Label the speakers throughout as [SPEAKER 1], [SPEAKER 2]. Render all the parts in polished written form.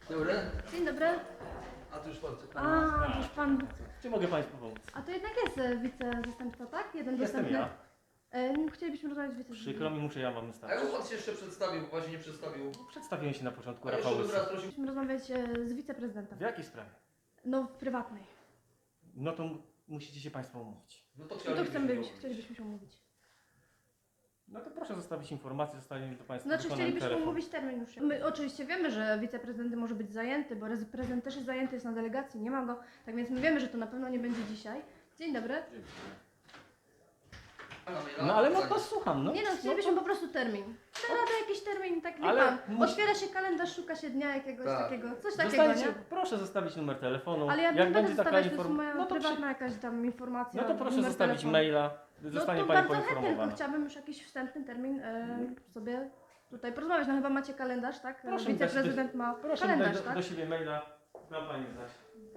[SPEAKER 1] Dobry.
[SPEAKER 2] Dzień dobry.
[SPEAKER 1] A tu już pan.
[SPEAKER 2] A, to już pan.
[SPEAKER 3] Czy mogę Państwu pomóc?
[SPEAKER 2] A to jednak jest wicezastępca, tak? Jeden
[SPEAKER 3] Jestem
[SPEAKER 2] dostępny.
[SPEAKER 3] ja.
[SPEAKER 2] Chcielibyśmy rozmawiać z
[SPEAKER 3] Przykro mi, muszę ja Wam
[SPEAKER 1] A
[SPEAKER 3] wystarczyć.
[SPEAKER 1] jak pan się jeszcze przedstawił, bo właśnie nie przedstawił.
[SPEAKER 3] Przedstawiłem się na początku,
[SPEAKER 1] A
[SPEAKER 3] Rafał
[SPEAKER 1] jeszcze bym
[SPEAKER 3] Łysy.
[SPEAKER 1] raz prosił.
[SPEAKER 2] Chcielibyśmy rozmawiać z wiceprezydentem.
[SPEAKER 3] W jakiej sprawie?
[SPEAKER 2] No, w prywatnej.
[SPEAKER 3] No to musicie się Państwo umówić.
[SPEAKER 1] No to
[SPEAKER 2] No to
[SPEAKER 1] chcielibyśmy
[SPEAKER 2] chcielibyśmy się umówić.
[SPEAKER 3] No to proszę zostawić informację, zostawię do Państwa
[SPEAKER 2] Znaczy
[SPEAKER 3] wykonany
[SPEAKER 2] chcielibyśmy
[SPEAKER 3] telefon.
[SPEAKER 2] umówić termin już. My oczywiście wiemy, że wiceprezydent może być zajęty, bo prezydent też jest zajęty, jest na delegacji, nie ma go. Tak więc my wiemy, że to na pewno nie będzie dzisiaj. Dzień dobry.
[SPEAKER 3] No ale no to słucham, no.
[SPEAKER 2] Nie no, chcielibyśmy po prostu termin. Da radę jakiś termin, tak wie
[SPEAKER 3] Ale
[SPEAKER 2] pan.
[SPEAKER 3] musi-
[SPEAKER 2] Otwiera się kalendarz, szuka się dnia jakiegoś
[SPEAKER 1] Tak.
[SPEAKER 2] takiego, coś takiego,
[SPEAKER 3] Zostańcie,
[SPEAKER 2] nie?
[SPEAKER 3] proszę zostawić numer telefonu.
[SPEAKER 2] Ale ja nie
[SPEAKER 3] Jak
[SPEAKER 2] będę
[SPEAKER 3] będzie taka
[SPEAKER 2] zostawiać, to jest
[SPEAKER 3] informacja,
[SPEAKER 2] moja
[SPEAKER 3] no to,
[SPEAKER 2] prywatna jakaś tam informacja.
[SPEAKER 3] no to proszę
[SPEAKER 2] numer
[SPEAKER 3] zostawić
[SPEAKER 2] telefonu.
[SPEAKER 3] maila,
[SPEAKER 2] No
[SPEAKER 3] zostanie
[SPEAKER 2] to
[SPEAKER 3] Pani
[SPEAKER 2] bardzo chętnie, tylko
[SPEAKER 3] poinformowana.
[SPEAKER 2] chciałabym już jakiś wstępny termin sobie tutaj porozmawiać. No chyba macie kalendarz, tak?
[SPEAKER 3] Proszę mi dać
[SPEAKER 2] Wiceprezydent ma
[SPEAKER 3] Proszę mi
[SPEAKER 2] kalendarz,
[SPEAKER 3] dać
[SPEAKER 2] tak?
[SPEAKER 3] do siebie maila, dam Pani znać.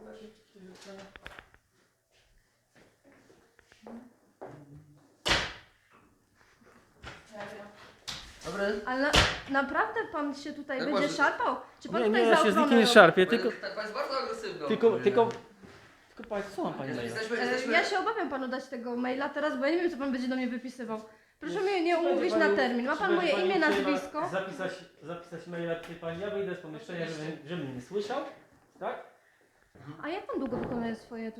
[SPEAKER 1] Dobry.
[SPEAKER 2] Ale naprawdę pan się tutaj
[SPEAKER 1] Jak
[SPEAKER 2] będzie
[SPEAKER 1] masz-
[SPEAKER 2] szarpał? Czy pan
[SPEAKER 3] Nie,
[SPEAKER 2] tutaj
[SPEAKER 3] nie,
[SPEAKER 2] za
[SPEAKER 3] ja się z
[SPEAKER 2] ochronę
[SPEAKER 3] nikim nie
[SPEAKER 2] robi?
[SPEAKER 3] szarpię,
[SPEAKER 1] Pan
[SPEAKER 3] tylko,
[SPEAKER 1] jest, pan jest bardzo agresywny.
[SPEAKER 3] tylko Państwo, słucham Pani maila.
[SPEAKER 1] Jesteśmy.
[SPEAKER 2] Ja się obawiam panu dać tego maila teraz, bo ja nie wiem, co pan będzie do mnie wypisywał. Proszę mnie nie
[SPEAKER 3] Czy będzie
[SPEAKER 2] umówić
[SPEAKER 3] pani-
[SPEAKER 2] na termin. Ma
[SPEAKER 3] czy
[SPEAKER 2] pan
[SPEAKER 3] będzie
[SPEAKER 2] moje
[SPEAKER 3] pani
[SPEAKER 2] imię,
[SPEAKER 3] chciała
[SPEAKER 2] nazwisko?
[SPEAKER 3] Zapisać maila, czy Pani, ja wyjdę z pomieszczenia, żeby mnie nie słyszał, tak?
[SPEAKER 2] A jak pan długo wykonuje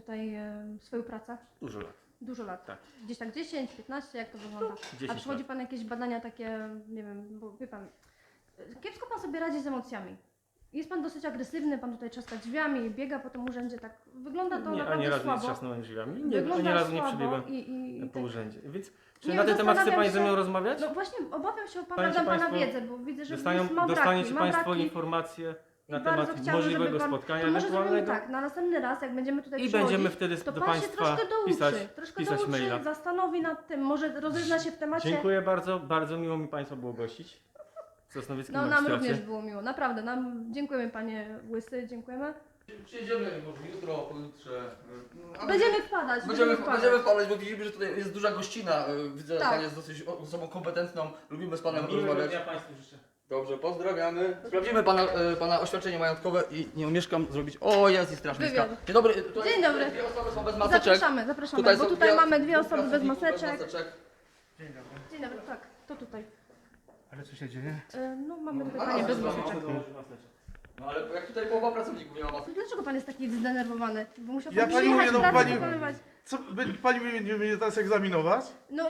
[SPEAKER 2] swoją pracę?
[SPEAKER 3] Dużo lat.
[SPEAKER 2] Dużo lat.
[SPEAKER 3] Tak.
[SPEAKER 2] Gdzieś tak 10, 15, jak to wygląda?
[SPEAKER 3] 10
[SPEAKER 2] A przychodzi
[SPEAKER 3] lat.
[SPEAKER 2] pan jakieś badania takie, nie wiem, bo wie pan, kiepsko pan sobie radzi z emocjami. Jest pan dosyć agresywny, pan tutaj trzaska drzwiami, biega po tym urzędzie, tak wygląda to
[SPEAKER 3] Nie,
[SPEAKER 2] naprawdę
[SPEAKER 3] ani razu nie
[SPEAKER 2] słabo.
[SPEAKER 3] trzasnąłem drzwiami, nie,
[SPEAKER 2] Wygląda
[SPEAKER 3] ani razu nie
[SPEAKER 2] słabo
[SPEAKER 3] przebiegłem po
[SPEAKER 2] tak.
[SPEAKER 3] urzędzie. Więc czy
[SPEAKER 2] Nie,
[SPEAKER 3] na ten temat chce
[SPEAKER 2] zastanawiam
[SPEAKER 3] Pani ze
[SPEAKER 2] się-
[SPEAKER 3] mną rozmawiać?
[SPEAKER 2] No właśnie, obawiam się o pana,
[SPEAKER 3] Panie,
[SPEAKER 2] dam pana
[SPEAKER 3] państwo
[SPEAKER 2] wiedzę, bo widzę, że
[SPEAKER 3] Dostaniecie
[SPEAKER 2] ma
[SPEAKER 3] Państwo
[SPEAKER 2] braki.
[SPEAKER 3] informacje na
[SPEAKER 2] I bardzo
[SPEAKER 3] temat
[SPEAKER 2] chciałabym, żeby
[SPEAKER 3] możliwego
[SPEAKER 2] pan-
[SPEAKER 3] spotkania
[SPEAKER 2] To może zrobimy
[SPEAKER 3] ewentualnego
[SPEAKER 2] tak, na następny raz, jak będziemy tutaj
[SPEAKER 3] i
[SPEAKER 2] przychodzić,
[SPEAKER 3] będziemy wtedy
[SPEAKER 2] to
[SPEAKER 3] do
[SPEAKER 2] pan się
[SPEAKER 3] Państwa
[SPEAKER 2] troszkę douczy,
[SPEAKER 3] pisać
[SPEAKER 2] douczy,
[SPEAKER 3] maila.
[SPEAKER 2] zastanowi nad tym, może rozezna się w temacie.
[SPEAKER 3] Dziękuję bardzo, bardzo miło mi Państwa było gościć. W Sosnowieckim
[SPEAKER 2] No nam
[SPEAKER 3] magistracie.
[SPEAKER 2] również było miło, naprawdę, dziękujemy panie Łysy, dziękujemy.
[SPEAKER 1] Przyjedziemy może jutro, pojutrze.
[SPEAKER 2] Będziemy wpadać,
[SPEAKER 1] Będziemy wpadać, bo widzimy, że tutaj jest duża gościna. Widzę, że
[SPEAKER 2] Tak.
[SPEAKER 1] Pan jest dosyć osobą kompetentną. Lubimy z Panem
[SPEAKER 3] Miłego
[SPEAKER 1] rozmawiać.
[SPEAKER 3] dnia Państwu życzę.
[SPEAKER 1] Dobrze, pozdrawiamy. Sprawdzimy pana oświadczenie majątkowe i nie umieszkam zrobić. O, jest i straż miejska.
[SPEAKER 2] Wywiad.
[SPEAKER 1] Dzień dobry. Tutaj
[SPEAKER 2] Dzień dobry.
[SPEAKER 1] Dwie osoby są bez maseczek.
[SPEAKER 2] Zapraszamy, bo
[SPEAKER 1] są
[SPEAKER 2] tutaj mamy dwie
[SPEAKER 1] dwóch
[SPEAKER 2] osoby bez
[SPEAKER 1] pracowników
[SPEAKER 2] maseczek. Dzień dobry, tak, to tutaj.
[SPEAKER 4] Ale co się dzieje?
[SPEAKER 2] No mamy tutaj
[SPEAKER 1] A,
[SPEAKER 2] panie bez
[SPEAKER 1] bez
[SPEAKER 2] maseczek.
[SPEAKER 1] No ale jak tutaj połowa pracowników nie ma maseczek.
[SPEAKER 2] Dlaczego pan jest taki zdenerwowany? Bo musiał
[SPEAKER 4] Ja
[SPEAKER 2] pan
[SPEAKER 4] pani
[SPEAKER 2] przyjechać,
[SPEAKER 4] mówię, no,
[SPEAKER 2] pracę
[SPEAKER 4] pani-
[SPEAKER 2] wykonywać.
[SPEAKER 4] Co, pani będzie mnie teraz egzaminować?
[SPEAKER 2] No,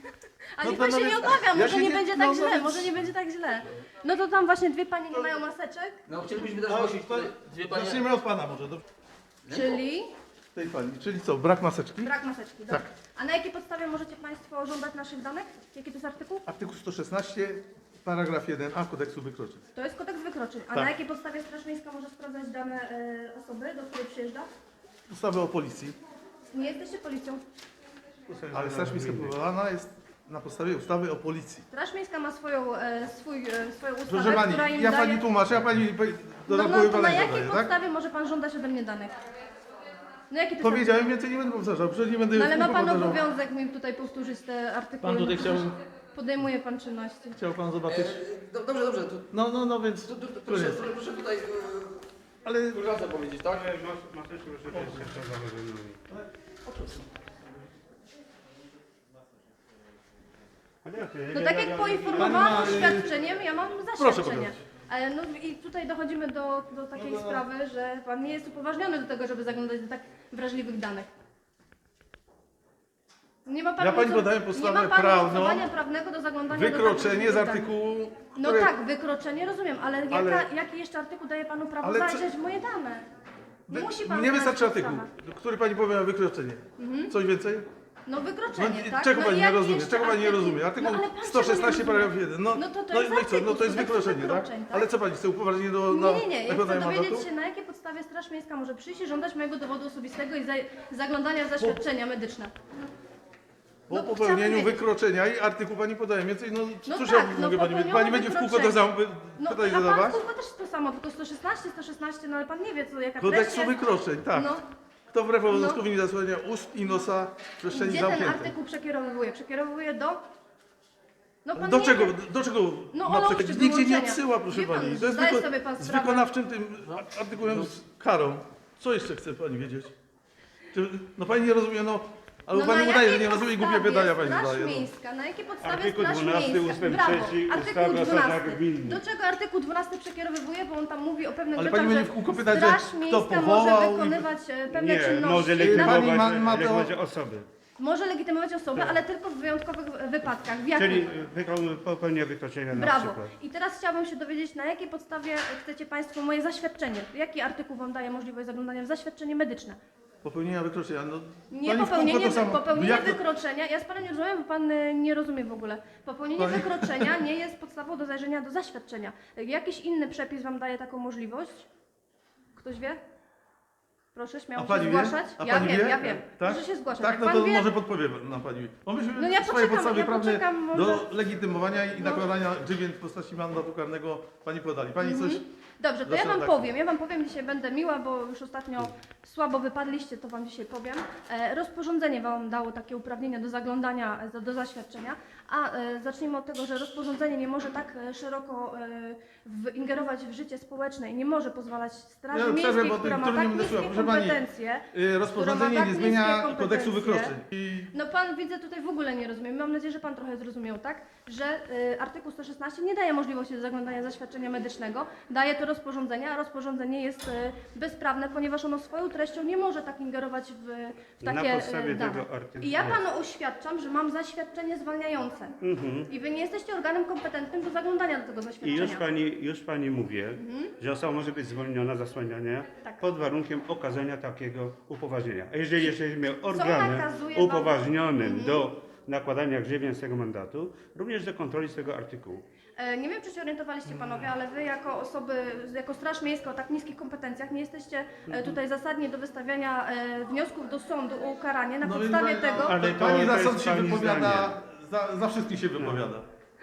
[SPEAKER 2] a
[SPEAKER 4] No
[SPEAKER 2] niech
[SPEAKER 4] to
[SPEAKER 2] pan się
[SPEAKER 4] nawet-
[SPEAKER 2] nie obawia,
[SPEAKER 4] ja
[SPEAKER 2] może
[SPEAKER 4] się
[SPEAKER 2] nie
[SPEAKER 4] nie-
[SPEAKER 2] będzie
[SPEAKER 4] no,
[SPEAKER 2] tak źle,
[SPEAKER 4] nawet-
[SPEAKER 2] może nie będzie tak źle. No to tam właśnie dwie panie nie mają maseczek,
[SPEAKER 1] No chcielibyśmy też
[SPEAKER 4] A,
[SPEAKER 1] zgłosić
[SPEAKER 4] to-
[SPEAKER 1] tutaj dwie panie.
[SPEAKER 4] Zaczniemy od pana może, do
[SPEAKER 2] czyli
[SPEAKER 4] tej pani. Czyli co, brak maseczki?
[SPEAKER 2] brak maseczki.
[SPEAKER 4] Tak.
[SPEAKER 2] Dobrze. A na jakiej podstawie możecie państwo żądać naszych danych? Jaki to jest artykuł?
[SPEAKER 4] Artykuł 116, paragraf 1a Kodeksu Wykroczeń.
[SPEAKER 2] To jest kodeks wykroczeń. A
[SPEAKER 4] Tak.
[SPEAKER 2] na jakiej podstawie Straż Miejska może sprawdzać dane osoby, do której przyjeżdża?
[SPEAKER 4] Ustawy o policji.
[SPEAKER 2] Nie jesteście policją.
[SPEAKER 4] Ale Straż Miejska powołana jest na podstawie ustawy o policji.
[SPEAKER 2] Straż Miejska ma swoją ustawę,
[SPEAKER 4] Proszę pani,
[SPEAKER 2] która im
[SPEAKER 4] ja
[SPEAKER 2] daje...
[SPEAKER 4] pani tłumaczę, ja pani
[SPEAKER 2] No,
[SPEAKER 4] dodatkowe
[SPEAKER 2] no to na
[SPEAKER 4] badania
[SPEAKER 2] jakiej
[SPEAKER 4] zadaję, tak?
[SPEAKER 2] podstawie może pan żądać ode mnie danych? No jaki to jest
[SPEAKER 4] Powiedziałem,
[SPEAKER 2] artykuł?
[SPEAKER 4] więcej nie będę powtarzał, przecież nie będę
[SPEAKER 2] No ale ma
[SPEAKER 4] tylko
[SPEAKER 2] pan
[SPEAKER 4] powtarzał.
[SPEAKER 2] obowiązek mi tutaj powtórzyć te artykuły.
[SPEAKER 4] Pan tutaj
[SPEAKER 2] no
[SPEAKER 4] chciał,
[SPEAKER 2] przecież podejmuje pan czynności.
[SPEAKER 4] chciał pan zobaczyć.
[SPEAKER 1] Dobrze, to,
[SPEAKER 4] No, więc
[SPEAKER 1] proszę,
[SPEAKER 4] koniec.
[SPEAKER 1] proszę tutaj
[SPEAKER 4] Ale
[SPEAKER 1] koleżance powiedzieć, tak?
[SPEAKER 2] No tak jak poinformowałam oświadczeniem, ja mam zaświadczenie.
[SPEAKER 4] pokazać.
[SPEAKER 2] Ale no i tutaj dochodzimy do takiej sprawy, że pan nie jest upoważniony do tego, żeby zaglądać do tak wrażliwych danych. Nie ma pan
[SPEAKER 4] Ja pani
[SPEAKER 2] mocow-
[SPEAKER 4] podaję
[SPEAKER 2] nie
[SPEAKER 4] podstawę
[SPEAKER 2] ma pan
[SPEAKER 4] prawną,
[SPEAKER 2] mocowania prawnego do zaglądania do tak
[SPEAKER 4] wykroczenie z
[SPEAKER 2] wrażliwych danych.
[SPEAKER 4] artykułu,
[SPEAKER 2] No
[SPEAKER 4] które...
[SPEAKER 2] tak, wykroczenie rozumiem, ale, jaki jeszcze artykuł daje panu prawo
[SPEAKER 4] Ale co-
[SPEAKER 2] zajrzeć w moje dane? Nie musi pan
[SPEAKER 4] Nie
[SPEAKER 2] znać
[SPEAKER 4] wystarczy
[SPEAKER 2] podstawy.
[SPEAKER 4] artykuł, który pani powie o wykroczenie. Coś więcej?
[SPEAKER 2] No wykroczenie,
[SPEAKER 4] No,
[SPEAKER 2] tak?
[SPEAKER 4] czego pani
[SPEAKER 2] i
[SPEAKER 4] nie
[SPEAKER 2] jaki
[SPEAKER 4] rozumie?
[SPEAKER 2] jeszcze
[SPEAKER 4] Czego pani nie
[SPEAKER 2] artykuł?
[SPEAKER 4] rozumie? Artykuł
[SPEAKER 2] No, ale pan
[SPEAKER 4] 116
[SPEAKER 2] czego nie
[SPEAKER 4] paragraf 1.
[SPEAKER 2] No to jest
[SPEAKER 4] i co?
[SPEAKER 2] artykuł
[SPEAKER 4] No to jest
[SPEAKER 2] 116
[SPEAKER 4] wykroczenie, tak?
[SPEAKER 2] wykroczeń, tak?
[SPEAKER 4] Ale co pani chce upoważnienie do na
[SPEAKER 2] Nie, ja chcę
[SPEAKER 4] nakładania
[SPEAKER 2] dowiedzieć
[SPEAKER 4] mandatu?
[SPEAKER 2] się, na jakiej podstawie Straż Miejska może przyjść i żądać mojego dowodu osobistego i zaglądania w zaświadczenia medyczne.
[SPEAKER 4] Po
[SPEAKER 2] no,
[SPEAKER 4] popełnieniu
[SPEAKER 2] chciałabym wiedzieć.
[SPEAKER 4] wykroczenia i artykuł pani podaje więcej, no
[SPEAKER 2] No
[SPEAKER 4] cóż
[SPEAKER 2] tak,
[SPEAKER 4] ja
[SPEAKER 2] no
[SPEAKER 4] mogę pani powiedzieć?
[SPEAKER 2] popełnione
[SPEAKER 4] Pani będzie w kółko to
[SPEAKER 2] wykroczenie. No
[SPEAKER 4] pytanie
[SPEAKER 2] a pan
[SPEAKER 4] zadawać?
[SPEAKER 2] kurwa też to samo, tylko 116, no ale pan nie wie co, jaka
[SPEAKER 4] Kodeksu
[SPEAKER 2] treść jest.
[SPEAKER 4] wykroczeń, tak.
[SPEAKER 2] No,
[SPEAKER 4] Kto wbrew obowiązkowi nie zasłania ust i nosa w przestrzeni
[SPEAKER 2] gdzie ten
[SPEAKER 4] zamkniętej?
[SPEAKER 2] artykuł przekierowuje? Przekierowuje do... No pan
[SPEAKER 4] Do
[SPEAKER 2] nie
[SPEAKER 4] czego,
[SPEAKER 2] wie.
[SPEAKER 4] do czego
[SPEAKER 2] No,
[SPEAKER 4] ma
[SPEAKER 2] o
[SPEAKER 4] przekroczyć?
[SPEAKER 2] nauczy
[SPEAKER 4] Nikt cię nie
[SPEAKER 2] wyłączenia.
[SPEAKER 4] odsyła, proszę
[SPEAKER 2] Wie pan,
[SPEAKER 4] pani. To jest
[SPEAKER 2] zdaje sobie pan
[SPEAKER 4] z
[SPEAKER 2] sprawę.
[SPEAKER 4] wykonawczym tym artykułem z karą. Co jeszcze chce pani wiedzieć? No pani nie rozumie, no. Albo pani
[SPEAKER 2] na
[SPEAKER 4] udaje, że
[SPEAKER 2] jakiej
[SPEAKER 4] nie rozumie, głupie
[SPEAKER 2] podstawie
[SPEAKER 4] pytania pani
[SPEAKER 2] Straż
[SPEAKER 4] zadaje. No.
[SPEAKER 2] Miejska, na jakiej podstawie
[SPEAKER 5] Artykuł
[SPEAKER 2] Straż
[SPEAKER 5] 12
[SPEAKER 2] Miejska?
[SPEAKER 5] ustęp
[SPEAKER 2] Brawo,
[SPEAKER 5] 3
[SPEAKER 2] artykuł
[SPEAKER 5] ustawy o
[SPEAKER 2] 12.
[SPEAKER 5] zasadach gminnych.
[SPEAKER 2] Do czego artykuł 12 przekierowywuje, bo on tam mówi o pewnych
[SPEAKER 4] Ale
[SPEAKER 2] rzeczach,
[SPEAKER 4] pani będzie
[SPEAKER 2] że
[SPEAKER 4] w kółko pytać, że
[SPEAKER 2] Straż
[SPEAKER 4] kto
[SPEAKER 2] Miejska
[SPEAKER 4] powołał
[SPEAKER 2] może
[SPEAKER 4] i-
[SPEAKER 2] wykonywać pewne
[SPEAKER 5] Nie,
[SPEAKER 2] czynności.
[SPEAKER 5] może
[SPEAKER 4] Pani
[SPEAKER 5] legitymować,
[SPEAKER 4] ma to-
[SPEAKER 5] legitymować osoby.
[SPEAKER 2] Może legitymować osobę, ale tylko w wyjątkowych wypadkach. W jakich?
[SPEAKER 5] Czyli popełnia wykroczenia na
[SPEAKER 2] Brawo.
[SPEAKER 5] przykład.
[SPEAKER 2] I teraz chciałabym się dowiedzieć, na jakiej podstawie chcecie Państwo moje zaświadczenie? Jaki artykuł Wam daje możliwość zaglądania w zaświadczenie medyczne?
[SPEAKER 4] Popełnienia wykroczenia. No,
[SPEAKER 2] Nie
[SPEAKER 4] pani w kółko to samo.
[SPEAKER 2] popełnienie
[SPEAKER 4] Jak to-
[SPEAKER 2] wykroczenia, ja z Panem nie rozumiem, bo Pan nie rozumie w ogóle. Popełnienie
[SPEAKER 4] Pani-
[SPEAKER 2] wykroczenia nie jest podstawą do zajrzenia do zaświadczenia. Jakiś inny przepis Wam daje taką możliwość? Ktoś wie? Proszę śmiało
[SPEAKER 4] A
[SPEAKER 2] się
[SPEAKER 4] pani wie?
[SPEAKER 2] zgłaszać.
[SPEAKER 4] A
[SPEAKER 2] Ja
[SPEAKER 4] pani
[SPEAKER 2] wiem,
[SPEAKER 4] wie?
[SPEAKER 2] ja wiem.
[SPEAKER 4] Tak?
[SPEAKER 2] Proszę się zgłaszać.
[SPEAKER 4] Tak,
[SPEAKER 2] Jak
[SPEAKER 4] no
[SPEAKER 2] pan
[SPEAKER 4] to
[SPEAKER 2] wie,
[SPEAKER 4] może podpowie nam pani. Bo myśmy
[SPEAKER 2] No ja
[SPEAKER 4] w swojej
[SPEAKER 2] poczekam,
[SPEAKER 4] podstawie
[SPEAKER 2] ja
[SPEAKER 4] prawnej
[SPEAKER 2] poczekam, może-
[SPEAKER 4] do legitymowania i
[SPEAKER 2] No.
[SPEAKER 4] nakładania grzywien w postaci mandatu karnego pani podali. Pani coś...
[SPEAKER 2] Dobrze, to ja
[SPEAKER 4] Zaczynam
[SPEAKER 2] Wam
[SPEAKER 4] tak.
[SPEAKER 2] powiem. Ja Wam powiem, dzisiaj będę miła, bo już ostatnio słabo wypadliście, to Wam dzisiaj powiem. Rozporządzenie Wam dało takie uprawnienia do zaglądania do zaświadczenia, a zacznijmy od tego, że rozporządzenie nie może tak szeroko ingerować w życie społeczne i nie może pozwalać Straży
[SPEAKER 4] Ja przerwę,
[SPEAKER 2] Miejskiej,
[SPEAKER 4] bo
[SPEAKER 2] która ma
[SPEAKER 4] niektórzy
[SPEAKER 2] tak
[SPEAKER 4] nie będę
[SPEAKER 2] niskie
[SPEAKER 4] słuchał. Proszę pani,
[SPEAKER 2] kompetencje.
[SPEAKER 4] Rozporządzenie
[SPEAKER 2] tak
[SPEAKER 4] nie
[SPEAKER 2] niskie
[SPEAKER 4] zmienia
[SPEAKER 2] kompetencje.
[SPEAKER 4] kodeksu wykroczeń. I
[SPEAKER 2] No Pan widzę tutaj w ogóle nie rozumie. Mam nadzieję, że Pan trochę zrozumiał, tak? Że artykuł 116 nie daje możliwości do zaglądania zaświadczenia medycznego. Daje to rozporządzenie, a rozporządzenie jest bezprawne, ponieważ ono swoją treścią nie może tak ingerować w
[SPEAKER 5] Na
[SPEAKER 2] takie
[SPEAKER 5] podstawie
[SPEAKER 2] dane.
[SPEAKER 5] tego artykułu.
[SPEAKER 2] I ja Panu oświadczam, że mam zaświadczenie zwalniające. I Wy nie jesteście organem kompetentnym do zaglądania do tego
[SPEAKER 5] I
[SPEAKER 2] zaświadczenia.
[SPEAKER 5] już pani mówię, że osoba może być zwolniona z zasłaniania
[SPEAKER 2] Tak.
[SPEAKER 5] pod warunkiem okazania takiego upoważnienia. A jeżeli jesteśmy organem
[SPEAKER 2] nakazuje wam-
[SPEAKER 5] upoważnionym do nakładania grzywien z tego mandatu, również do kontroli z tego artykułu.
[SPEAKER 2] Nie wiem, czy się orientowaliście Panowie, ale Wy jako osoby, jako Straż Miejska o tak niskich kompetencjach nie jesteście tutaj zasadni do wystawiania wniosków do sądu o ukaranie na
[SPEAKER 4] no,
[SPEAKER 2] podstawie
[SPEAKER 4] więc
[SPEAKER 2] tego.
[SPEAKER 5] Ale to
[SPEAKER 4] pani za
[SPEAKER 5] jest
[SPEAKER 4] sąd się
[SPEAKER 5] pani
[SPEAKER 4] wypowiada, za wszystkich się wypowiada.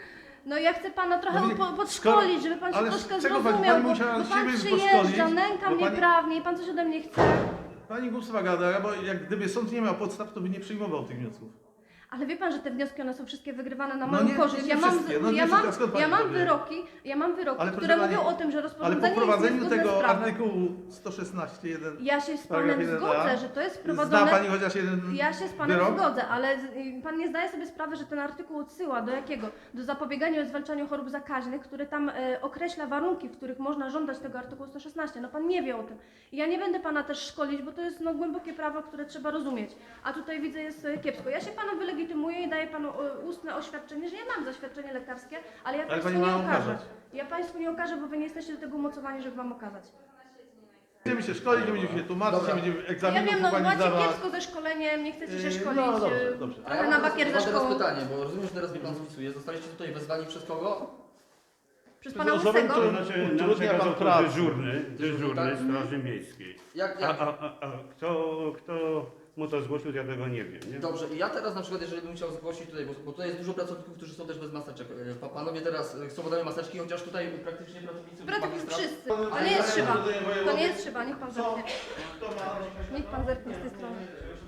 [SPEAKER 2] No ja chcę Pana trochę
[SPEAKER 4] No wiecie,
[SPEAKER 2] podszkolić, żeby Pan się
[SPEAKER 4] ale
[SPEAKER 2] troszkę
[SPEAKER 4] czego
[SPEAKER 2] zrozumiał,
[SPEAKER 4] pani
[SPEAKER 2] bo
[SPEAKER 4] musiała
[SPEAKER 2] Pan
[SPEAKER 4] siebie
[SPEAKER 2] przyjeżdża,
[SPEAKER 4] podszkolić?
[SPEAKER 2] nęka
[SPEAKER 4] Bo
[SPEAKER 2] mnie
[SPEAKER 4] pani-
[SPEAKER 2] prawnie i Pan coś ode mnie chce.
[SPEAKER 4] Pani głupstwa gada, bo jak gdyby sąd nie miał podstaw, to by nie przyjmował tych wniosków.
[SPEAKER 2] Ale wie Pan, że te wnioski one są wszystkie wygrywane na
[SPEAKER 4] No
[SPEAKER 2] moją
[SPEAKER 4] nie-
[SPEAKER 2] korzyść.
[SPEAKER 4] nie
[SPEAKER 2] Ja mam,
[SPEAKER 4] wszystkie, no nie
[SPEAKER 2] ja mam,
[SPEAKER 4] wszystkie, a skąd pani
[SPEAKER 2] ja mam
[SPEAKER 4] to wie?
[SPEAKER 2] wyroki,
[SPEAKER 4] Ale proszę
[SPEAKER 2] które
[SPEAKER 4] pani,
[SPEAKER 2] mówią o tym, że
[SPEAKER 4] Ale
[SPEAKER 2] rozporządzenie
[SPEAKER 4] po
[SPEAKER 2] jest
[SPEAKER 4] wprowadzeniu
[SPEAKER 2] niezgodne z
[SPEAKER 4] tego
[SPEAKER 2] prawem.
[SPEAKER 4] artykułu 116.1
[SPEAKER 2] Ja się z
[SPEAKER 4] paragraf
[SPEAKER 2] Panem
[SPEAKER 4] 1a,
[SPEAKER 2] zgodzę, że to jest
[SPEAKER 4] zna
[SPEAKER 2] wprowadzone.
[SPEAKER 4] pani chociaż jeden
[SPEAKER 2] Ja się z Panem
[SPEAKER 4] wyrok?
[SPEAKER 2] zgodzę, ale Pan nie zdaje sobie sprawy, że ten artykuł odsyła do jakiego? Do zapobiegania i zwalczania chorób zakaźnych, który tam określa warunki, w których można żądać tego artykułu 116. No Pan nie wie o tym. I ja nie będę Pana też szkolić, bo to jest głębokie prawo, które trzeba rozumieć. A tutaj widzę jest kiepsko. Ja się Panu wylegitymuję i daję Panu ustne oświadczenie, że ja mam zaświadczenie lekarskie, ale ja
[SPEAKER 4] Ale
[SPEAKER 2] Państwu
[SPEAKER 4] pani
[SPEAKER 2] nie
[SPEAKER 4] ma
[SPEAKER 2] okażę.
[SPEAKER 4] okazać.
[SPEAKER 2] Ja Państwu nie okażę, bo Wy nie jesteście do tego umocowani, żeby Wam okazać.
[SPEAKER 4] Będziemy się szkolić, nie będziemy się tłumaczyć,
[SPEAKER 1] Dobra.
[SPEAKER 4] nie będziemy
[SPEAKER 2] Ja
[SPEAKER 4] egzaminów
[SPEAKER 2] wiem,
[SPEAKER 4] u
[SPEAKER 2] no
[SPEAKER 4] pani
[SPEAKER 2] macie
[SPEAKER 4] zdawać.
[SPEAKER 2] kiepsko ze szkoleniem, nie chcecie się
[SPEAKER 4] Yy,
[SPEAKER 2] szkolić.
[SPEAKER 4] no dobrze, dobrze.
[SPEAKER 1] A
[SPEAKER 2] Trochę
[SPEAKER 1] ja
[SPEAKER 2] na
[SPEAKER 1] mam
[SPEAKER 2] bakier ze
[SPEAKER 1] teraz
[SPEAKER 2] szkołą.
[SPEAKER 1] pytanie, bo rozumiem, że teraz mnie Pan spisuje. Zostaliście tutaj wezwani przez kogo?
[SPEAKER 2] Przez
[SPEAKER 4] Przez
[SPEAKER 2] Pana
[SPEAKER 4] osobę,
[SPEAKER 2] Łysego.
[SPEAKER 4] którą-
[SPEAKER 5] To znaczy, nam
[SPEAKER 4] utrudnia
[SPEAKER 5] przekazał
[SPEAKER 4] pan
[SPEAKER 5] to
[SPEAKER 4] pracę.
[SPEAKER 5] dyżurny
[SPEAKER 1] tak?
[SPEAKER 5] Straży Miejskiej.
[SPEAKER 1] Jak,
[SPEAKER 5] A,
[SPEAKER 1] jak?
[SPEAKER 5] a kto mu to zgłosił, ja tego nie wiem. Nie?
[SPEAKER 1] Dobrze, i ja teraz na przykład, jeżeli bym chciał zgłosić tutaj, bo tutaj jest dużo pracowników, którzy są też bez maseczek. Panowie teraz chcą ode mnie maseczki, chociaż tutaj praktycznie pracownicy magistrat-
[SPEAKER 2] Wszyscy. To nie jest szyba. To nie jest szyba, niech Pan zerknie. Niech Pan zerknie z tej strony.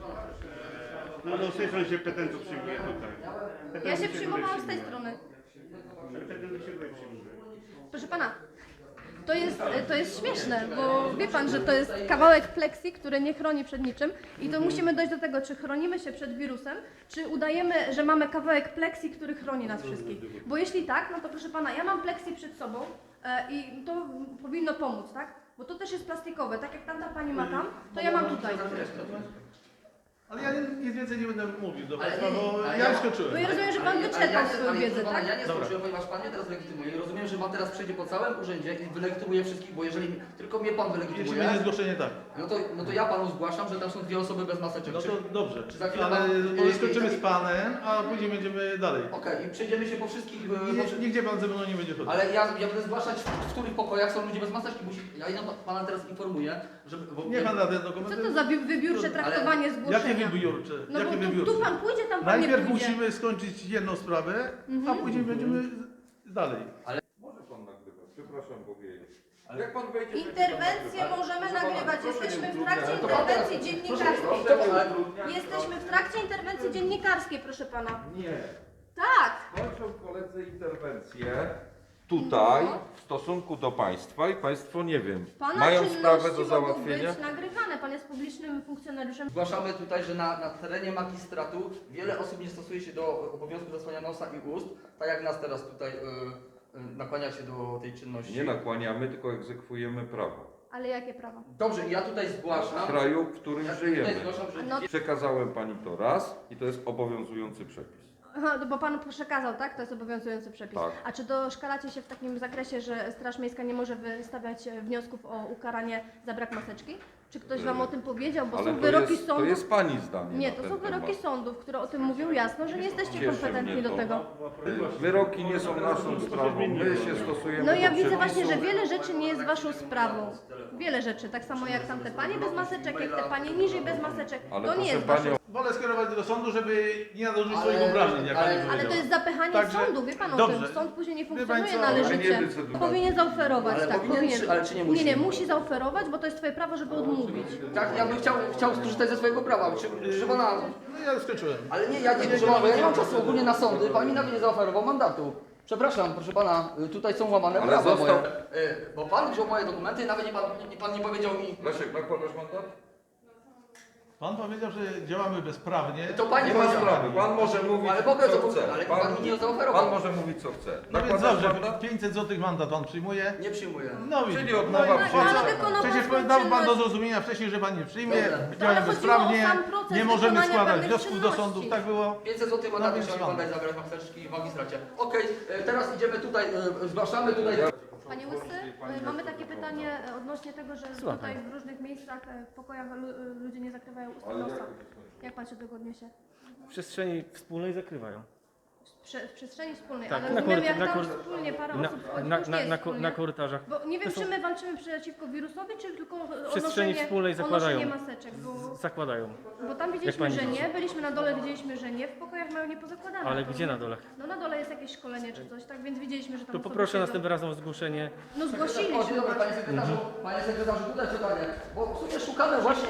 [SPEAKER 5] No z tej strony się petentów przyjmuje tutaj.
[SPEAKER 2] Ja
[SPEAKER 5] Petentów
[SPEAKER 2] się
[SPEAKER 5] tutaj
[SPEAKER 2] przyjmowałam z tej
[SPEAKER 5] przyjmuje.
[SPEAKER 2] strony.
[SPEAKER 5] Petentów się tutaj przyjmuje.
[SPEAKER 2] Proszę Pana, to jest śmieszne, bo wie Pan, że to jest kawałek pleksji, który nie chroni przed niczym i to musimy dojść do tego, czy chronimy się przed wirusem, czy udajemy, że mamy kawałek pleksji, który chroni nas wszystkich. Bo jeśli tak, no to proszę Pana, ja mam pleksji przed sobą i to powinno pomóc, tak? Bo to też jest plastikowe, tak jak tamta Pani ma tam, to ja mam tutaj.
[SPEAKER 4] Ale ja nic więcej nie będę mówił do
[SPEAKER 1] Ale
[SPEAKER 4] Państwa,
[SPEAKER 1] nie,
[SPEAKER 4] bo
[SPEAKER 1] ale
[SPEAKER 4] ja
[SPEAKER 1] ja-
[SPEAKER 4] już skończyłem.
[SPEAKER 2] Bo ja rozumiem, że Pan
[SPEAKER 1] Ale
[SPEAKER 2] wyczerpał
[SPEAKER 1] nie-
[SPEAKER 2] swoją
[SPEAKER 1] ale
[SPEAKER 2] wiedzę,
[SPEAKER 1] proszę pana,
[SPEAKER 2] tak?
[SPEAKER 1] Ja nie
[SPEAKER 4] Dobra.
[SPEAKER 1] skończyłem, ponieważ Pan mnie teraz legitymuje i rozumiem, że Pan teraz przejdzie po całym urzędzie i wylegitymuje wszystkich, bo jeżeli tylko mnie Pan
[SPEAKER 4] Jeśli
[SPEAKER 1] wylegitymuje,
[SPEAKER 4] będzie zgłoszenie, tak.
[SPEAKER 1] no to ja Panu zgłaszam, że tam są dwie osoby bez maseczek.
[SPEAKER 4] No to dobrze,
[SPEAKER 1] czy za chwilę
[SPEAKER 4] ale
[SPEAKER 1] pan-
[SPEAKER 4] może skończymy z Panem, a później będziemy dalej.
[SPEAKER 1] Okej, i przejdziemy się po wszystkich...
[SPEAKER 4] Nigdzie Pan ze mną nie będzie chodził.
[SPEAKER 1] Ale ja będę zgłaszać, w których pokojach są ludzie bez maseczki. Ja Pana teraz informuję, że... Bo,
[SPEAKER 4] Nie Pan na ten
[SPEAKER 2] Co
[SPEAKER 4] dokument.
[SPEAKER 2] to za wybiórcze traktowanie zgłoszenia?
[SPEAKER 4] Jakie wybiórcze?
[SPEAKER 2] No
[SPEAKER 4] Jakie
[SPEAKER 2] bo tu
[SPEAKER 4] wybiórcze?
[SPEAKER 2] Pan pójdzie, tam Pan nie
[SPEAKER 4] Najpierw
[SPEAKER 2] pójdzie.
[SPEAKER 4] musimy skończyć jedną sprawę, a później będziemy dalej.
[SPEAKER 6] Może pan nagrywać, przepraszam powiedzieć. Ale jak pan wejdzie...
[SPEAKER 2] Interwencje możemy nagrywać. Jesteśmy w trakcie
[SPEAKER 1] To pan teraz-
[SPEAKER 2] interwencji dziennikarskiej.
[SPEAKER 1] Proszę, ale-
[SPEAKER 2] Jesteśmy w trakcie interwencji dziennikarskiej, proszę Pana.
[SPEAKER 6] Nie.
[SPEAKER 2] Tak.
[SPEAKER 6] Kończą koledzy interwencję tutaj w stosunku do państwa i państwo, nie wiem,
[SPEAKER 2] Pana
[SPEAKER 6] mają
[SPEAKER 2] czynności
[SPEAKER 6] sprawę do
[SPEAKER 2] mogą
[SPEAKER 6] załatwienia.
[SPEAKER 2] być nagrywane. Pan jest publicznym funkcjonariuszem.
[SPEAKER 1] Zgłaszamy tutaj, że na terenie magistratu wiele osób nie stosuje się do obowiązku zasłania nosa i ust, tak jak nas teraz tutaj nakłania się do tej czynności.
[SPEAKER 6] Nie nakłaniamy, tylko egzekwujemy prawo.
[SPEAKER 2] Ale jakie prawo?
[SPEAKER 1] Dobrze, ja tutaj
[SPEAKER 6] W
[SPEAKER 1] zgłaszam.
[SPEAKER 6] kraju, w którym
[SPEAKER 1] Ja tutaj
[SPEAKER 6] żyjemy.
[SPEAKER 1] zgłaszam, że
[SPEAKER 2] No.
[SPEAKER 6] Przekazałem pani to raz i to jest obowiązujący przepis.
[SPEAKER 2] Aha, bo pan przekazał, tak? To jest obowiązujący przepis.
[SPEAKER 6] Tak.
[SPEAKER 2] A czy doszkalacie się w takim zakresie, że Straż Miejska nie może wystawiać wniosków o ukaranie za brak maseczki? Czy ktoś wam o tym powiedział? Bo
[SPEAKER 6] Ale
[SPEAKER 2] są
[SPEAKER 6] to
[SPEAKER 2] wyroki
[SPEAKER 6] jest, to
[SPEAKER 2] sądów.
[SPEAKER 6] jest pani zdanie.
[SPEAKER 2] Nie,
[SPEAKER 6] na
[SPEAKER 2] to
[SPEAKER 6] ten
[SPEAKER 2] są wyroki
[SPEAKER 6] temat.
[SPEAKER 2] sądów, które o tym mówią jasno, że nie jesteście
[SPEAKER 6] Cieszy
[SPEAKER 2] kompetentni
[SPEAKER 6] mnie
[SPEAKER 2] do
[SPEAKER 6] to.
[SPEAKER 2] tego.
[SPEAKER 6] Wyroki nie są naszą sprawą. My się stosujemy
[SPEAKER 2] No ja
[SPEAKER 6] do
[SPEAKER 2] widzę właśnie, że
[SPEAKER 6] przepisów.
[SPEAKER 2] wiele rzeczy nie jest waszą sprawą. Wiele rzeczy, tak samo jak tamte panie bez maseczek, jak te panie niżej bez maseczek.
[SPEAKER 6] Ale
[SPEAKER 2] To nie
[SPEAKER 6] proszę
[SPEAKER 2] jest waszą.
[SPEAKER 6] panią,
[SPEAKER 4] Wolę skierować do sądu, żeby nie nadużyć
[SPEAKER 1] Ale-
[SPEAKER 4] swoich obrażeń, jak pani
[SPEAKER 1] ale-
[SPEAKER 2] Ale
[SPEAKER 4] powiedziała.
[SPEAKER 2] to jest zapychanie
[SPEAKER 4] Także-
[SPEAKER 2] sądu, wie pan o
[SPEAKER 4] dobrze.
[SPEAKER 2] tym. Sąd później nie
[SPEAKER 4] Wie pan
[SPEAKER 2] funkcjonuje
[SPEAKER 4] co,
[SPEAKER 2] należycie.
[SPEAKER 6] ale nie decyduje.
[SPEAKER 2] Powinien zaoferować,
[SPEAKER 1] Ale
[SPEAKER 2] tak.
[SPEAKER 1] powinien, ale czy nie musi?
[SPEAKER 2] Nie, musi zaoferować, bo to jest twoje prawo, żeby odmówić.
[SPEAKER 1] Tak, ja bym chciał skorzystać ze swojego prawa. Proszę pana,
[SPEAKER 4] No ja skończyłem.
[SPEAKER 1] ale nie, ja nie, proszę pana, bo ja nie mam czasu ogólnie na sądy. Pan mi nawet nie zaoferował mandatu. Przepraszam, proszę pana, tutaj są łamane
[SPEAKER 6] Ale
[SPEAKER 1] prawa
[SPEAKER 6] został-
[SPEAKER 1] moje. Bo pan wziął moje dokumenty, nawet pan nie powiedział mi.
[SPEAKER 6] Leszek, nakładasz mandat?
[SPEAKER 4] Pan powiedział, że działamy bezprawnie.
[SPEAKER 1] To pani
[SPEAKER 6] Nie ma
[SPEAKER 1] powiedziała.
[SPEAKER 6] sprawy. Pan może mówić,
[SPEAKER 1] Ale mogę,
[SPEAKER 6] co
[SPEAKER 1] co
[SPEAKER 6] chce.
[SPEAKER 1] ale pan mi nie zaoferował.
[SPEAKER 6] Pan może mówić, co chce.
[SPEAKER 4] No więc
[SPEAKER 6] Nakładasz
[SPEAKER 4] dobrze,
[SPEAKER 6] mandat?
[SPEAKER 4] 500 zł mandat pan przyjmuje.
[SPEAKER 1] Nie przyjmuję.
[SPEAKER 4] No
[SPEAKER 6] Czyli
[SPEAKER 4] widzi.
[SPEAKER 6] odmowa
[SPEAKER 4] no i
[SPEAKER 6] przyjęcia.
[SPEAKER 4] po co?
[SPEAKER 2] Ale wykonał
[SPEAKER 4] Przecież
[SPEAKER 2] pan
[SPEAKER 4] dał pan do
[SPEAKER 2] czynność.
[SPEAKER 4] zrozumienia wcześniej, że pan nie przyjmie.
[SPEAKER 1] Dobra.
[SPEAKER 2] Ale
[SPEAKER 4] Działamy
[SPEAKER 2] chodziło o
[SPEAKER 4] bezprawnie.
[SPEAKER 2] sam proces
[SPEAKER 4] Nie możemy
[SPEAKER 2] wykonania
[SPEAKER 4] składać
[SPEAKER 2] pewnych
[SPEAKER 4] wniosków do
[SPEAKER 2] czynności.
[SPEAKER 4] sądów. Tak było.
[SPEAKER 1] 500 zł mandatu
[SPEAKER 4] więc
[SPEAKER 1] chciał mi
[SPEAKER 4] co?
[SPEAKER 1] pan dać zabrać maseczki w magistracie. Okej, teraz idziemy tutaj, zgłaszamy tutaj.
[SPEAKER 2] Panie Łysy, mamy takie pytanie odnośnie tego, że tutaj w różnych miejscach, w pokojach ludzie nie zakrywają ust i nosa. Jak pan się do tego odniesie?
[SPEAKER 3] W przestrzeni wspólnej zakrywają.
[SPEAKER 2] W przestrzeni wspólnej,
[SPEAKER 3] Tak,
[SPEAKER 2] ale
[SPEAKER 3] na
[SPEAKER 2] rozumiem,
[SPEAKER 3] koryt-
[SPEAKER 2] jak
[SPEAKER 3] na
[SPEAKER 2] tam
[SPEAKER 3] koryt-
[SPEAKER 2] wspólnie parę
[SPEAKER 3] Na,
[SPEAKER 2] osób wchodzi,
[SPEAKER 3] na,
[SPEAKER 2] to już nie
[SPEAKER 3] na,
[SPEAKER 2] jest
[SPEAKER 3] na,
[SPEAKER 2] wspólnie.
[SPEAKER 3] na korytarzach.
[SPEAKER 2] Bo nie wiem,
[SPEAKER 3] To są-
[SPEAKER 2] czy my walczymy przeciwko wirusowi, czy tylko
[SPEAKER 3] W przestrzeni wspólnej zakładają.
[SPEAKER 2] noszenie maseczek,
[SPEAKER 3] Zakładają.
[SPEAKER 2] bo tam widzieliśmy,
[SPEAKER 3] pani
[SPEAKER 2] że
[SPEAKER 3] widzi?
[SPEAKER 2] nie, byliśmy na dole, widzieliśmy, że nie, w pokojach mają niepozakładane.
[SPEAKER 3] Ale
[SPEAKER 2] To-
[SPEAKER 3] gdzie na dole?
[SPEAKER 2] No na dole jest jakieś szkolenie czy coś, tak więc widzieliśmy, że tam
[SPEAKER 3] To
[SPEAKER 2] osoby
[SPEAKER 3] poproszę
[SPEAKER 2] siedzą.
[SPEAKER 3] następnym razem o zgłoszenie.
[SPEAKER 2] No
[SPEAKER 1] O,
[SPEAKER 2] zgłosiliśmy
[SPEAKER 1] dzień dobry,
[SPEAKER 2] właśnie.
[SPEAKER 1] panie sekretarzu, tutaj pytanie, bo w sumie szukamy właśnie,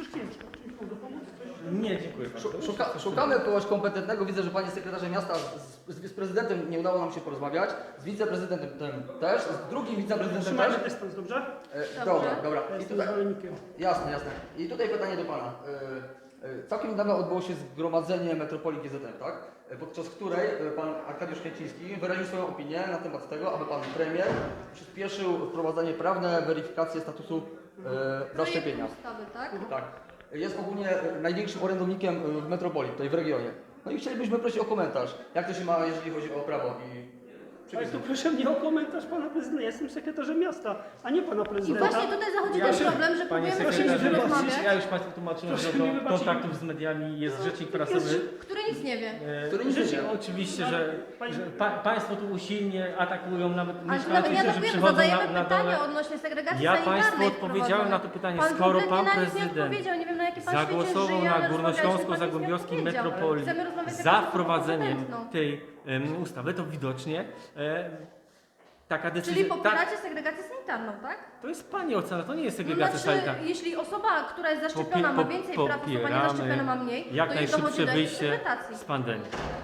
[SPEAKER 3] Nie, dziękuję.
[SPEAKER 1] szukamy kogoś kompetentnego, widzę, że panie sekretarze miasta z prezydentem nie udało nam się porozmawiać, z wiceprezydentem też, z drugim wiceprezydentem też.
[SPEAKER 7] Trzymajmy dystans, dobrze?
[SPEAKER 1] Dobra, dobra. I
[SPEAKER 7] Jestem
[SPEAKER 1] tutaj,
[SPEAKER 7] zwolennikiem.
[SPEAKER 1] jasne, jasne. I tutaj pytanie do pana. Całkiem niedawno odbyło się zgromadzenie Metropolii GZM, tak? Podczas której pan Arkadiusz Kwieciński wyraził swoją opinię na temat tego, aby pan premier przyspieszył wprowadzenie prawne weryfikację statusu zaszczepienia.
[SPEAKER 2] Projekt ustawy, tak?
[SPEAKER 1] Tak. Jest ogólnie największym orędownikiem w metropolii, tutaj w regionie. No i chcielibyśmy prosić o komentarz, jak to się ma, jeżeli chodzi o prawo i
[SPEAKER 7] Ale
[SPEAKER 1] przepisy.
[SPEAKER 7] to proszę mnie o komentarz pana prezydenta. Ja jestem sekretarzem miasta, a nie pana
[SPEAKER 2] I
[SPEAKER 7] prezydenta.
[SPEAKER 2] właśnie tutaj zachodzi ten problem, że
[SPEAKER 3] Panie
[SPEAKER 2] próbujemy z
[SPEAKER 3] sekretarzu,
[SPEAKER 2] kimś rozmawiać,
[SPEAKER 3] ja już Państwu tłumaczyłem,
[SPEAKER 7] Proszę
[SPEAKER 3] że
[SPEAKER 7] mi
[SPEAKER 3] do
[SPEAKER 7] wybaczyć.
[SPEAKER 3] kontaktów z mediami jest rzecznik prasowy.
[SPEAKER 2] który nic nie wie.
[SPEAKER 1] Który nic nie wie.
[SPEAKER 3] Oczywiście, że Państwo tu usilnie atakują, nawet
[SPEAKER 2] Ale to nawet
[SPEAKER 3] myśląc,
[SPEAKER 2] nie
[SPEAKER 3] że
[SPEAKER 2] atakujemy,
[SPEAKER 3] przychodzą
[SPEAKER 2] zadajemy
[SPEAKER 3] na
[SPEAKER 2] pytanie
[SPEAKER 3] dole.
[SPEAKER 2] odnośnie segregacji
[SPEAKER 3] Ja
[SPEAKER 2] sanitarnej
[SPEAKER 3] Państwu odpowiedziałem na to pytanie, skoro
[SPEAKER 2] kompletnie
[SPEAKER 3] Pan
[SPEAKER 2] na nic nie
[SPEAKER 3] Prezydent
[SPEAKER 2] odpowiedział, nie wiem na jakie pan
[SPEAKER 3] zagłosował
[SPEAKER 2] świecie żyje,
[SPEAKER 3] na
[SPEAKER 2] ale
[SPEAKER 3] Górnośląsko-Zagłębiowskiej
[SPEAKER 2] rozmawiać z panem nic nie
[SPEAKER 3] metropolii
[SPEAKER 2] odpowiedział. Chcemy rozmawiać z
[SPEAKER 3] za
[SPEAKER 2] jakąś
[SPEAKER 3] wprowadzeniem
[SPEAKER 2] osobą kompetentną.
[SPEAKER 3] tej ustawy, to widocznie taka
[SPEAKER 2] Czyli
[SPEAKER 3] decyzja...
[SPEAKER 2] popieracie segregację sanitarną, tak?
[SPEAKER 3] To jest Pani ocena, to nie jest
[SPEAKER 2] No
[SPEAKER 3] segregacja
[SPEAKER 2] znaczy,
[SPEAKER 3] sanitarna.
[SPEAKER 2] jeśli osoba, która jest zaszczepiona ma więcej praw, osoba niezaszczepiona ma mniej,
[SPEAKER 3] jak
[SPEAKER 2] to jej
[SPEAKER 3] najszybsze
[SPEAKER 2] dochodzi do
[SPEAKER 3] wyjście
[SPEAKER 2] interpretacji.
[SPEAKER 3] z pandemii.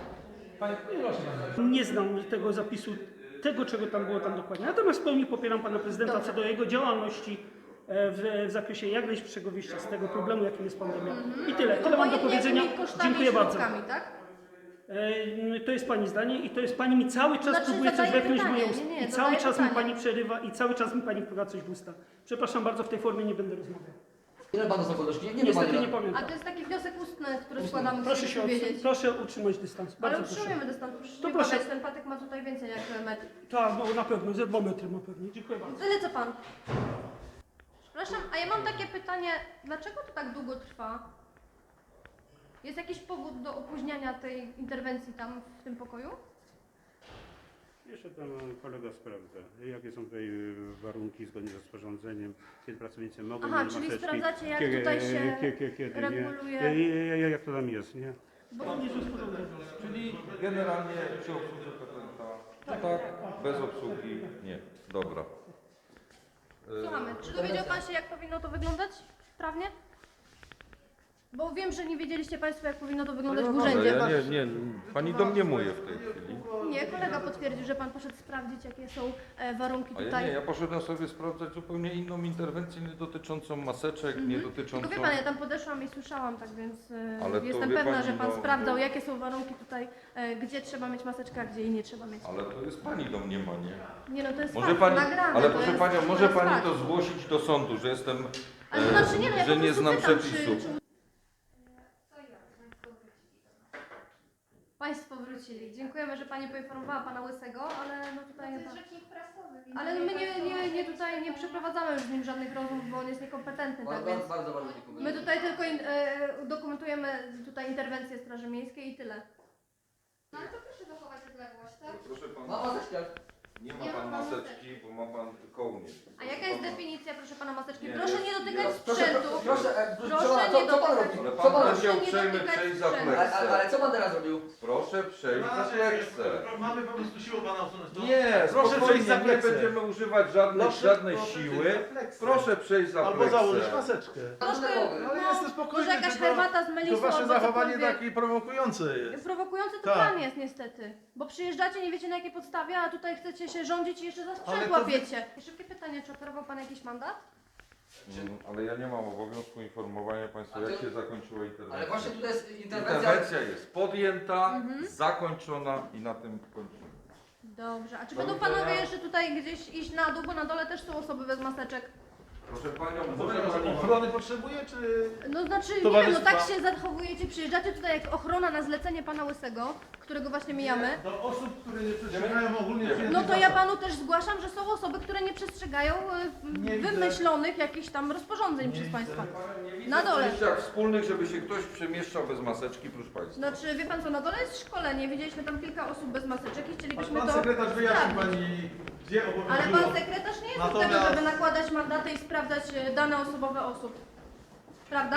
[SPEAKER 7] Nie znam tego zapisu, tego czego tam było tam dokładnie. Natomiast w pełni popieram pana prezydenta
[SPEAKER 2] Dobrze.
[SPEAKER 7] co do jego działalności w zakresie jak najszybszego wyjścia z tego problemu, jakim jest pandemia. I tyle. Tyle mam do
[SPEAKER 2] Obojętnie
[SPEAKER 7] powiedzenia.
[SPEAKER 2] jakimi kosztami
[SPEAKER 7] Dziękuję
[SPEAKER 2] i
[SPEAKER 7] bardzo.
[SPEAKER 2] środkami, tak?
[SPEAKER 7] To jest pani zdanie i to jest pani mi cały czas
[SPEAKER 2] Znaczy,
[SPEAKER 7] próbuje coś
[SPEAKER 2] zadaję
[SPEAKER 7] wepchnąć w moje
[SPEAKER 2] pytanie.
[SPEAKER 7] usta.
[SPEAKER 2] Nie,
[SPEAKER 7] I cały
[SPEAKER 2] zadaję
[SPEAKER 7] czas mi
[SPEAKER 2] pytanie.
[SPEAKER 7] pani przerywa i cały czas mi pani wpływa coś w usta. Przepraszam bardzo, w tej formie nie będę rozmawiał.
[SPEAKER 1] Ile panu są koleżki? Nie wiem,
[SPEAKER 7] Niestety
[SPEAKER 1] ile.
[SPEAKER 7] nie
[SPEAKER 2] A
[SPEAKER 7] pamiętam.
[SPEAKER 2] to jest taki wniosek ustny, który składamy,
[SPEAKER 7] Proszę
[SPEAKER 2] chcemy
[SPEAKER 7] się
[SPEAKER 2] powiedzieć.
[SPEAKER 7] proszę utrzymać dystans.
[SPEAKER 2] Ale
[SPEAKER 7] Bardzo proszę.
[SPEAKER 2] utrzymujemy dystans, proszę
[SPEAKER 7] To
[SPEAKER 2] nie
[SPEAKER 7] proszę.
[SPEAKER 2] badać, ten patek ma tutaj więcej jak metr.
[SPEAKER 7] Tak, no na pewno, ze 2 metry ma pewnie. Dziękuję bardzo.
[SPEAKER 2] Tyle co pan. Przepraszam, a ja mam takie pytanie, dlaczego to tak długo trwa? Jest jakiś powód do opóźniania tej interwencji tam w tym pokoju?
[SPEAKER 5] Jeszcze tam kolega sprawdza, jakie są tutaj warunki zgodnie z rozporządzeniem, kiedy pracownicy mogą
[SPEAKER 2] Aha,
[SPEAKER 5] mieć
[SPEAKER 2] czyli
[SPEAKER 5] maseczki,
[SPEAKER 2] sprawdzacie, jak tutaj się
[SPEAKER 5] kiedy
[SPEAKER 2] reguluje.
[SPEAKER 5] nie. Jak to tam jest, nie?
[SPEAKER 2] Bo
[SPEAKER 6] Czyli generalnie przy obsłudze petenta, tak, bez obsługi nie. Dobra.
[SPEAKER 2] słuchamy, czy dowiedział pan się, jak powinno to wyglądać prawnie? Bo wiem, że nie wiedzieliście Państwo, jak powinno to wyglądać w
[SPEAKER 6] Ale
[SPEAKER 2] urzędzie.
[SPEAKER 6] ja nie, pani domniemuje w tej chwili.
[SPEAKER 2] Nie, kolega potwierdził, że Pan poszedł sprawdzić, jakie są warunki
[SPEAKER 6] A ja
[SPEAKER 2] tutaj.
[SPEAKER 6] nie, ja poszedłem sobie sprawdzać zupełnie inną interwencję, nie dotyczącą maseczek, nie dotyczącą...
[SPEAKER 2] Tylko wie Pan, ja tam podeszłam i słyszałam, tak więc
[SPEAKER 6] Ale to
[SPEAKER 2] jestem
[SPEAKER 6] wie
[SPEAKER 2] pewna,
[SPEAKER 6] pani,
[SPEAKER 2] że Pan
[SPEAKER 6] no-
[SPEAKER 2] sprawdzał, jakie są warunki tutaj, gdzie trzeba mieć maseczkę, a gdzie jej nie trzeba mieć.
[SPEAKER 6] Ale to jest pani domniemanie.
[SPEAKER 2] Nie no, to jest
[SPEAKER 6] Może
[SPEAKER 2] fakt,
[SPEAKER 6] pani,
[SPEAKER 2] nagrane.
[SPEAKER 6] ale
[SPEAKER 2] to
[SPEAKER 6] proszę
[SPEAKER 2] jest,
[SPEAKER 6] panią,
[SPEAKER 2] to
[SPEAKER 6] może
[SPEAKER 2] jest
[SPEAKER 6] pani
[SPEAKER 2] fakt.
[SPEAKER 6] to zgłosić do sądu, że jestem,
[SPEAKER 2] Ale to znaczy nie, no ja
[SPEAKER 6] że
[SPEAKER 2] po
[SPEAKER 6] nie
[SPEAKER 2] prostu
[SPEAKER 6] znam
[SPEAKER 2] pytam,
[SPEAKER 6] przepisu.
[SPEAKER 2] czy... Państwo wrócili. Dziękujemy, że Pani poinformowała Pana Łysego, ale no tutaj...
[SPEAKER 8] To jest rzecznik prasowy. więc
[SPEAKER 2] Ale my nie tutaj nie przeprowadzamy już z nim żadnych rozmów, bo on jest niekompetentny, tak więc...
[SPEAKER 1] Bardzo dziękuję.
[SPEAKER 2] My tutaj tylko dokumentujemy tutaj interwencję Straży Miejskiej i tyle.
[SPEAKER 8] No ale to proszę zachować odległość, tak?
[SPEAKER 6] Proszę pana,
[SPEAKER 1] Ma maseczkę.
[SPEAKER 6] nie ma pan maseczki, bo ma pan kołnierz.
[SPEAKER 2] A jaka jest definicja, proszę Pana, maseczki?
[SPEAKER 6] Nie,
[SPEAKER 2] Proszę
[SPEAKER 6] nie,
[SPEAKER 2] nie dotykać
[SPEAKER 1] Proszę,
[SPEAKER 2] sprzętu.
[SPEAKER 1] proszę,
[SPEAKER 2] Proszę nie
[SPEAKER 1] co pan
[SPEAKER 2] dotykać.
[SPEAKER 1] robi?
[SPEAKER 6] Ale
[SPEAKER 1] Co pan
[SPEAKER 6] pan
[SPEAKER 1] robi?
[SPEAKER 6] chciał
[SPEAKER 2] nie
[SPEAKER 6] uprzejmie
[SPEAKER 2] dotykać
[SPEAKER 6] przejść za
[SPEAKER 2] sprzętu.
[SPEAKER 6] pleksę.
[SPEAKER 1] Ale co pan teraz robił?
[SPEAKER 6] Proszę przejść za pleksę.
[SPEAKER 4] Mamy po prostu siłę pana usunąć. No.
[SPEAKER 6] Nie,
[SPEAKER 4] Proszę
[SPEAKER 6] spokojnie,
[SPEAKER 4] przejść za
[SPEAKER 6] nie
[SPEAKER 4] pleksę.
[SPEAKER 6] będziemy używać żadnej siły.
[SPEAKER 4] przejść za pleksę.
[SPEAKER 6] Proszę przejść za
[SPEAKER 4] Albo
[SPEAKER 6] pleksę.
[SPEAKER 4] założyć maseczkę.
[SPEAKER 2] Troszkę,
[SPEAKER 4] Ale
[SPEAKER 2] no,
[SPEAKER 4] jestem spokojny,
[SPEAKER 2] może jakaś
[SPEAKER 4] tylko-
[SPEAKER 2] herbata z
[SPEAKER 4] To
[SPEAKER 2] melisą
[SPEAKER 4] wasze
[SPEAKER 2] albo
[SPEAKER 4] zachowanie
[SPEAKER 2] cokolwiek.
[SPEAKER 4] takie prowokujące jest.
[SPEAKER 2] Prowokujący to
[SPEAKER 4] Tak.
[SPEAKER 2] Pan jest niestety. Bo przyjeżdżacie, nie wiecie na jakiej podstawie, a tutaj chcecie się rządzić i jeszcze za sprzęt
[SPEAKER 4] Ale to-
[SPEAKER 2] łapiecie. Szybkie pytanie, czy oferował Pan jakiś mandat?
[SPEAKER 6] Ale ja nie mam obowiązku informowania państwa,
[SPEAKER 1] A
[SPEAKER 6] jak
[SPEAKER 1] to-
[SPEAKER 6] się zakończyła interwencja.
[SPEAKER 1] Ale właśnie tutaj jest interwencja.
[SPEAKER 6] Interwencja jest podjęta,
[SPEAKER 2] Mhm.
[SPEAKER 6] zakończona i na tym kończymy.
[SPEAKER 2] Dobrze, a czy
[SPEAKER 6] Do
[SPEAKER 2] będą
[SPEAKER 6] widzenia.
[SPEAKER 2] Panowie jeszcze tutaj gdzieś iść na dół, bo na dole też są osoby bez maseczek?
[SPEAKER 6] Proszę panią,
[SPEAKER 4] To
[SPEAKER 6] może pani...
[SPEAKER 4] ochrony potrzebuje, czy...
[SPEAKER 2] No znaczy, nie wiem,
[SPEAKER 4] Towarzystwa.
[SPEAKER 2] no tak się zachowujecie, przyjeżdżacie tutaj jak ochrona na zlecenie Pana Łysego, którego właśnie mijamy.
[SPEAKER 4] Do osób, które nie przestrzegają ogólnie
[SPEAKER 6] Nie.
[SPEAKER 4] przyjętych
[SPEAKER 2] No to ja
[SPEAKER 4] zasad.
[SPEAKER 2] Panu też zgłaszam, że są osoby, które nie przestrzegają
[SPEAKER 4] Nie widzę.
[SPEAKER 2] wymyślonych jakichś tam rozporządzeń
[SPEAKER 4] Nie
[SPEAKER 2] przez
[SPEAKER 4] widzę.
[SPEAKER 2] Państwa.
[SPEAKER 6] Nie widzę
[SPEAKER 2] Na dole.
[SPEAKER 6] w przejściach wspólnych, żeby się ktoś przemieszczał bez maseczki, proszę państwa.
[SPEAKER 2] Znaczy, wie Pan co, na dole jest szkolenie, widzieliśmy tam kilka osób bez maseczek i chcielibyśmy
[SPEAKER 4] Pan
[SPEAKER 2] to
[SPEAKER 4] sekretarz wyjaśni
[SPEAKER 2] sprawdzić.
[SPEAKER 4] pani, gdzie
[SPEAKER 2] Ale
[SPEAKER 4] obowiązują.
[SPEAKER 2] Pan sekretarz nie jest od tego,
[SPEAKER 4] Natomiast-
[SPEAKER 2] żeby nakładać mandaty i sprawdzać dane osobowe osób. Prawda?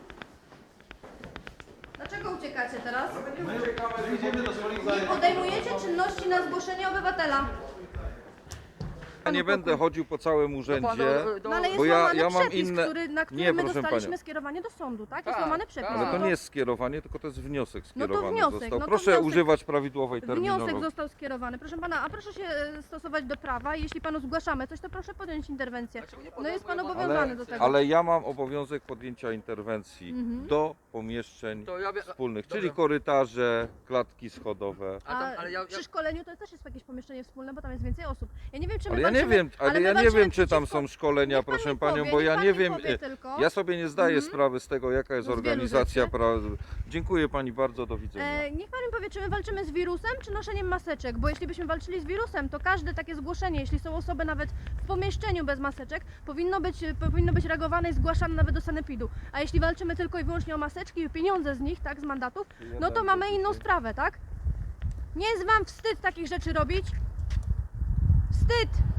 [SPEAKER 2] Dlaczego uciekacie teraz?
[SPEAKER 4] My idziemy do swoich
[SPEAKER 2] Nie
[SPEAKER 4] zajęć.
[SPEAKER 2] podejmujecie czynności na zgłoszenie obywatela.
[SPEAKER 6] Ja nie będę chodził po całym urzędzie.
[SPEAKER 2] No ale jest
[SPEAKER 6] Bo ja
[SPEAKER 2] łamany
[SPEAKER 6] mam
[SPEAKER 2] przepis,
[SPEAKER 6] inne-
[SPEAKER 2] na który
[SPEAKER 6] Nie,
[SPEAKER 2] my
[SPEAKER 6] proszę
[SPEAKER 2] dostaliśmy
[SPEAKER 6] panią.
[SPEAKER 2] skierowanie do sądu, tak? Jest
[SPEAKER 1] Tak,
[SPEAKER 2] łamany przepis.
[SPEAKER 1] tak.
[SPEAKER 6] Ale to
[SPEAKER 2] No
[SPEAKER 6] nie jest skierowanie, tylko to jest wniosek
[SPEAKER 2] No to
[SPEAKER 6] skierowany
[SPEAKER 2] wniosek,
[SPEAKER 6] został.
[SPEAKER 2] no to
[SPEAKER 6] Proszę
[SPEAKER 2] wniosek.
[SPEAKER 6] używać prawidłowej
[SPEAKER 2] Wniosek
[SPEAKER 6] terminologii.
[SPEAKER 2] został skierowany. Proszę pana, a proszę się stosować do prawa i jeśli panu zgłaszamy coś, to proszę podjąć interwencję. No jest pan obowiązany do tego.
[SPEAKER 6] Ale ja mam obowiązek podjęcia interwencji
[SPEAKER 2] Mhm.
[SPEAKER 6] do pomieszczeń
[SPEAKER 1] To ja
[SPEAKER 6] wspólnych,
[SPEAKER 1] Dobrze.
[SPEAKER 6] czyli korytarze, klatki schodowe.
[SPEAKER 2] A przy szkoleniu to też jest jakieś pomieszczenie wspólne, bo tam jest więcej osób. Ja nie wiem, czy my
[SPEAKER 6] Ale ja nie
[SPEAKER 2] walczymy-
[SPEAKER 6] wiem, ale
[SPEAKER 2] my
[SPEAKER 6] ja nie
[SPEAKER 2] walczymy
[SPEAKER 6] wiem, czy tam
[SPEAKER 2] przeciwko-
[SPEAKER 6] są szkolenia,
[SPEAKER 2] Niech pan
[SPEAKER 6] proszę
[SPEAKER 2] mi
[SPEAKER 6] panią,
[SPEAKER 2] powie,
[SPEAKER 6] bo
[SPEAKER 2] niech
[SPEAKER 6] ja
[SPEAKER 2] pan
[SPEAKER 6] nie
[SPEAKER 2] mi
[SPEAKER 6] wiem.
[SPEAKER 2] powie tylko.
[SPEAKER 6] Ja sobie nie zdaję
[SPEAKER 2] Mhm.
[SPEAKER 6] sprawy z tego, jaka jest
[SPEAKER 2] Z wielu
[SPEAKER 6] organizacja.
[SPEAKER 2] rzeczy.
[SPEAKER 6] Dziękuję pani bardzo, do widzenia.
[SPEAKER 2] Niech pan mi powie, czy my walczymy z wirusem, czy noszeniem maseczek, bo jeśli byśmy walczyli z wirusem, to każde takie zgłoszenie, jeśli są osoby nawet w pomieszczeniu bez maseczek, powinno być reagowane i zgłaszane nawet do sanepidu. A jeśli walczymy tylko i wyłącznie o maseczki i pieniądze z nich, tak, z mandatów, no to mamy inną sprawę, tak? Nie jest wam wstyd takich rzeczy robić? Wstyd!